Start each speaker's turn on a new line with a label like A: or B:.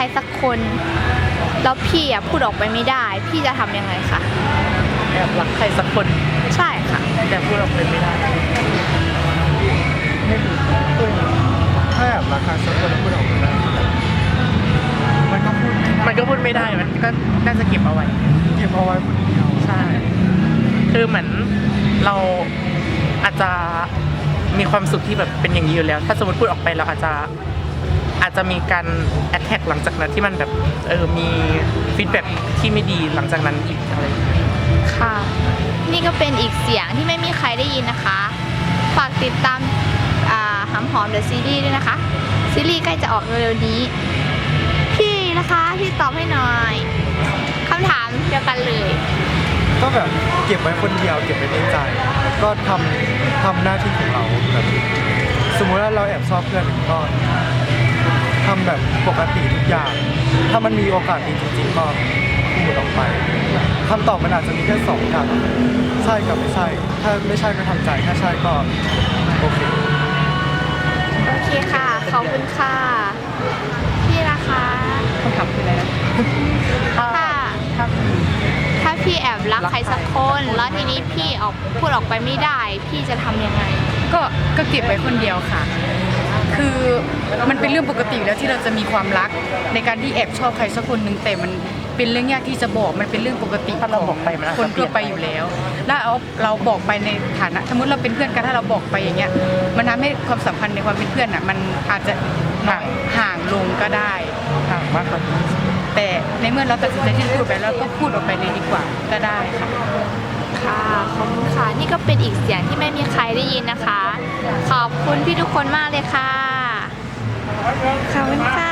A: รสักคนแล้วพี่พูดออกไปไม่ได้พี่จะทำยังไงคะ
B: แอบรักใครสักคน
A: ใช่ค่ะ
B: แต่พูดออกไปไม่ได้
C: ไม่รู้ถ้าแอบรักใครสักคนแล้วพูดออกมาได้มันก็พูด
B: ไม่ได้มันก็น่าจะเก็บเอาไว้
C: คนเดียว
B: ใช่คือเหมือนเราอาจจะมีความสุขที่แบบเป็นอย่างนี้อยู่แล้วถ้าสมมติพูดออกไปเราอาจจะมีการแอทแทกหลังจากนั้นที่มันแบบมีฟีดแบ็กที่ไม่ดีหลังจากนั้นอีกอะไร
A: ค่ะนี่ก็เป็นอีกเสียงที่ไม่มีใครได้ยินนะคะฝากติดตามหำหอมเดอะซีรีส์ด้วยนะคะซีรีส์ใกล้จะออกเร็วๆนี้พี่นะคะพี่ตอบให้หน่อยคำถามเดียวกันเลย
C: ก็แบบเก็บไว้คนเดียวเก็บไว้ในใจก็ทำหน้าที่ของเราแบบสมมุติว่าเราแอบชอบเพื่อนก็ทำแบบปกติทุกอย่างถ้ามันมีโอกาสดีจริงๆก็พูดออกไปคำตอบมันอาจจะมีแค่2อย่างใช่กับไม่ใช่ถ้าไม่ใช่ก็ทำใจถ้าใช่ก็โอเค
A: ค่ะขอบคุณค่ะพี่นะคะ
B: คำถามคืออะไรนะ
A: ถ้าพี่แอบรักใครสักคนแล้วทีนี้พี่พูดออกไปไม่ได้พี่จะทำยังไง
D: ก็เก็บไว้คนเดียวค่ะคือมันเป็นเรื่องปกติแล้วที่เราจะมีความรักในการที่แอบชอบใครสักคนหนึ่งแต่มันเป็นเรื่องยากที่จะบอกมันเป็นเรื่องปกติของคนทั่วไปอยู่แล้วแล้วเราบอกไปในฐานะสมมติเราเป็นเพื่อนกันถ้าเราบอกไปอย่างเงี้ยมันทำให้ความสัมพันธ์ในความเป็นเพื่อนมันอาจจะห่างลงก็ได้
B: ห่างมากกว่า
D: แต่ในเมื่อเราตัดสินใจที่จะพูดไปแล้วก็พูดออกไปเลยดีกว่าก็ได้ค่ะ
A: ค่ะขอบคุณค่ะนี่ก็เป็นอีกเสียงที่ไม่มีใครได้ยินนะคะขอบคุณพี่ทุกคนมากเลยค่ะขอบคุณค่ะ